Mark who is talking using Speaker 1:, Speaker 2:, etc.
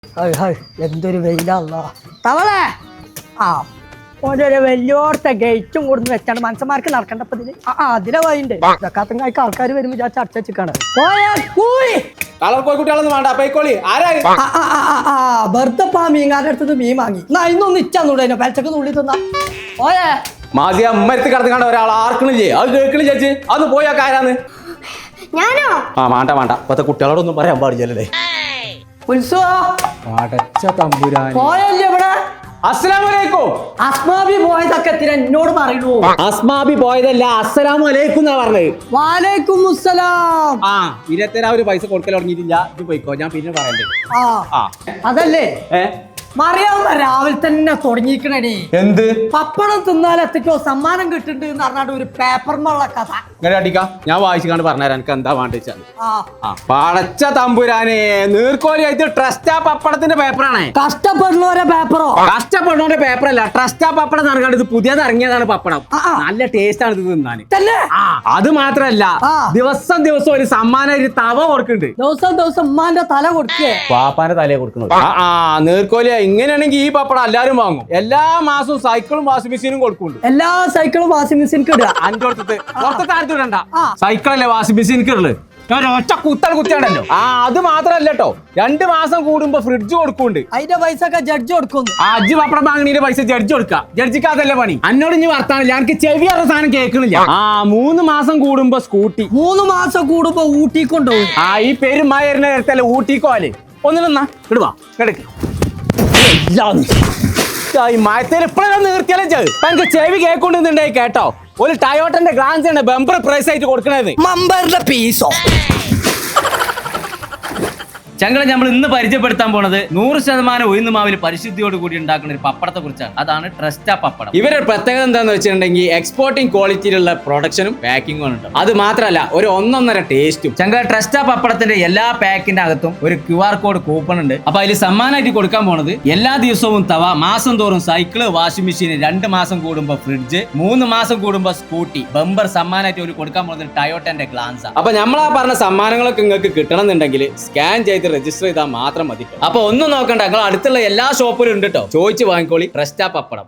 Speaker 1: എന്തൊരു വെയിലല്ല തവളെ ആ ഓരോ വലിയോടത്തെ ഗേറ്റും കൊടുന്ന് വെച്ചാണ് മനുഷ്യന്മാർക്ക് നടക്കേണ്ടപ്പോ അതിലെ വഴിയുണ്ട് ഇതൊക്കെ ആൾക്കാർ വരുമ്പോ ഞാൻ ചർച്ച വെച്ചിക്കാണ് വെറുതെ മീൻകാരുടെ അടുത്തത് മീൻ വാങ്ങി എന്നാ ഇന്നൊന്ന് ഇച്ചൂടെ പലച്ചക്ക് നുള്ളി തിന്നാ ഓയേ
Speaker 2: മാസിയ അമ്മരത്ത് കിടന്നു ഒരാൾ ആർക്കണില്ലേ അത് കേൾക്കണി ചേച്ചി അത് പോയാ കാരാന്ന്
Speaker 3: ഞാനോ
Speaker 2: ആ വേണ്ട വേണ്ട ഇപ്പത്തെ കുട്ടികളോടൊന്നും പറയാൻ പാടില്ലല്ലേ അടച്ച തമ്പുരാൻ
Speaker 1: പോയല്ലേ ഇവിടെ
Speaker 2: അസ്സലാമലൈക്കും
Speaker 1: അസ്മാബി പോയതൊക്കെ എന്നോട് പറയണു
Speaker 2: അസ്മാബി പോയതല്ല അസ്സലാമു അലൈക്കും എന്നാ പറഞ്ഞത്
Speaker 1: വാലൈക്കും മുസ്സലാം
Speaker 2: ആ 27 പൈസ കൊടുക്കൽ തുടങ്ങിയിട്ടില്ല ഇത് പോയിക്കോ ഞാൻ പിന്നെ പറയണ്ടേ
Speaker 1: ആ അതല്ലേ
Speaker 2: ഏ
Speaker 1: മറിയാവുന്ന രാവിലെ തന്നെ തുടങ്ങിക്കണേ
Speaker 2: എന്ത്
Speaker 1: പപ്പടം തിന്നാൽ എത്തിക്കോ സമ്മാനം കിട്ടുന്നുണ്ട് എന്ന് പറഞ്ഞാണ്ട് ഒരു പേപ്പറിനുള്ള കഥ
Speaker 2: ഇങ്ങനെ അടിക്കാം ഞാൻ വായിച്ചു പറഞ്ഞുതരാം എനിക്ക് എന്താ വേണ്ടിച്ചാൽ
Speaker 1: ആ
Speaker 2: പടച്ച തമ്പുരാനെ നീർക്കോലിയായിട്ട് ട്രസ്റ്റാ പപ്പടത്തിന്റെ പേപ്പറാണേ
Speaker 1: കഷ്ടപ്പെടുന്നവരെ പേപ്പറോ
Speaker 2: കഷ്ടപ്പെടുന്നവന്റെ പേപ്പറല്ല ട്രസ്റ്റാ പപ്പടം നടക്കാണ്ട് ഇത് പുതിയത് ഇറങ്ങിയതാണ് പപ്പടം നല്ല ടേസ്റ്റ് ആണ് ഇത് തിന്നാൻ
Speaker 1: തന്നെ
Speaker 2: അത് മാത്രല്ല ദിവസം ഒരു സമ്മാനം ഒരു തവ കൊടുക്കുന്നുണ്ട്
Speaker 1: ദിവസം ഉമ്മാന്റെ തല കൊടുക്കേ
Speaker 2: പാപ്പാന്റെ തലയെ കൊടുക്കുന്നത് നീർക്കോലിയ ഇങ്ങനെയാണെങ്കിൽ ഈ പപ്പടം എല്ലാരും വാങ്ങും എല്ലാ മാസവും സൈക്കിളും വാഷിംഗ് മെഷീനും കൊടുക്കുന്നുണ്ട്
Speaker 1: എല്ലാ സൈക്കിളും വാഷിംഗ് മെഷീൻ ഇടുക
Speaker 2: അഞ്ചു പുറത്തെ ഇടണ്ട സൈക്കിളല്ലേ വാഷിംഗ് മെഷീൻ ഉള്ളത് ഒറ്റ കുത്തിയാണല്ലോ അത് മാത്രല്ല കേട്ടോ 2 മാസം കൂടുമ്പോ ഫ്രിഡ്ജ് കൊടുക്കുന്നുണ്ട്
Speaker 1: അതിന്റെ പൈസ ഒക്കെ ജഡ്ജ് കൊടുക്കുന്നു
Speaker 2: അജ്ജ് പപ്പടം വാങ്ങണീന്റെ പൈസ ജഡ്ജ് കൊടുക്കാം ജഡ്ജിക്ക് അതല്ലേ പണി എന്നോട് ഇനി വർത്താനില്ല എനിക്ക് ചെവി അറിയ സാധനം കേൾക്കണില്ല 3 മാസം കൂടുമ്പോ സ്കൂട്ടി
Speaker 1: 3 മാസം കൂടുമ്പോ ഊട്ടി കൊണ്ടുപോകും
Speaker 2: ഈ പെരുമായിരുന്ന നേരത്തല്ലേ ഊട്ടിക്കോല് ഒന്നിലെന്നാ ഇടുവാ കിടക്ക് മയത്തേൽ എപ്പോഴും നിർത്തിയാലും എനിക്ക് ചെവി കേൾക്കൊണ്ടിരുന്നുണ്ടായി കേട്ടോ ഒരു ടയോട്ടന്റെ ഗ്ലാൻസ് ആണ് ബമ്പർ പ്രൈസ് ആയിട്ട് കൊടുക്കണത്
Speaker 1: മമ്പറിന്റെ പീസോ
Speaker 4: ചങ്കള നമ്മൾ ഇന്ന് പരിചയപ്പെടുത്താൻ പോണത് 100% ഉഴുന്ന് മാവിൽ പരിശുദ്ധിയോട് കൂടി ഉണ്ടാക്കുന്ന ഒരു പപ്പടത്തെ കുറിച്ചാണ്. അതാണ് ട്രസ്റ്റാ പപ്പടം.
Speaker 2: ഇവരുടെ പ്രത്യേകത എന്താന്ന് വെച്ചിട്ടുണ്ടെങ്കിൽ എക്സ്പോർട്ടിംഗ് ക്വാളിറ്റിയിലുള്ള പ്രൊഡക്ഷനും പാക്കിങ്ങും ഉണ്ട്. അത് മാത്രമല്ല ഒരു 1.5 ടേസ്റ്റും.
Speaker 4: ചങ്കള ട്രസ്റ്റാ പപ്പടത്തിന്റെ എല്ലാ പാക്കിന്റെ അകത്തും ഒരു QR കോഡ് കൂപ്പൺ ഉണ്ട്. അപ്പൊ അതിൽ സമ്മാനമായിട്ട് കൊടുക്കാൻ പോണത് എല്ലാ ദിവസവും തവ, മാസം തോറും സൈക്കിള്, വാഷിംഗ് മെഷീൻ, 2 മാസം കൂടുമ്പോ ഫ്രിഡ്ജ്, 3 മാസം കൂടുമ്പോ സ്കൂട്ടി, ബമ്പർ സമ്മാനമായിട്ട് ഒരു കൊടുക്കാൻ പോകുന്നത് ടയോട്ടന്റെ ഗ്ലാൻസ.
Speaker 2: അപ്പൊ നമ്മളാ പറഞ്ഞ സമ്മാനങ്ങളൊക്കെ നിങ്ങൾക്ക് കിട്ടണമെന്നുണ്ടെങ്കിൽ സ്കാൻ ചെയ്ത് രജിസ്റ്റർ ചെയ്താൽ മാത്രം മതി. അപ്പൊ ഒന്നും നോക്കണ്ട, നിങ്ങൾ അടുത്തുള്ള എല്ലാ ഷോപ്പിലും ഉണ്ട് കേട്ടോ. ചോദിച്ചു വാങ്ങിക്കോളി ട്രസ്റ്റാ പപ്പടം.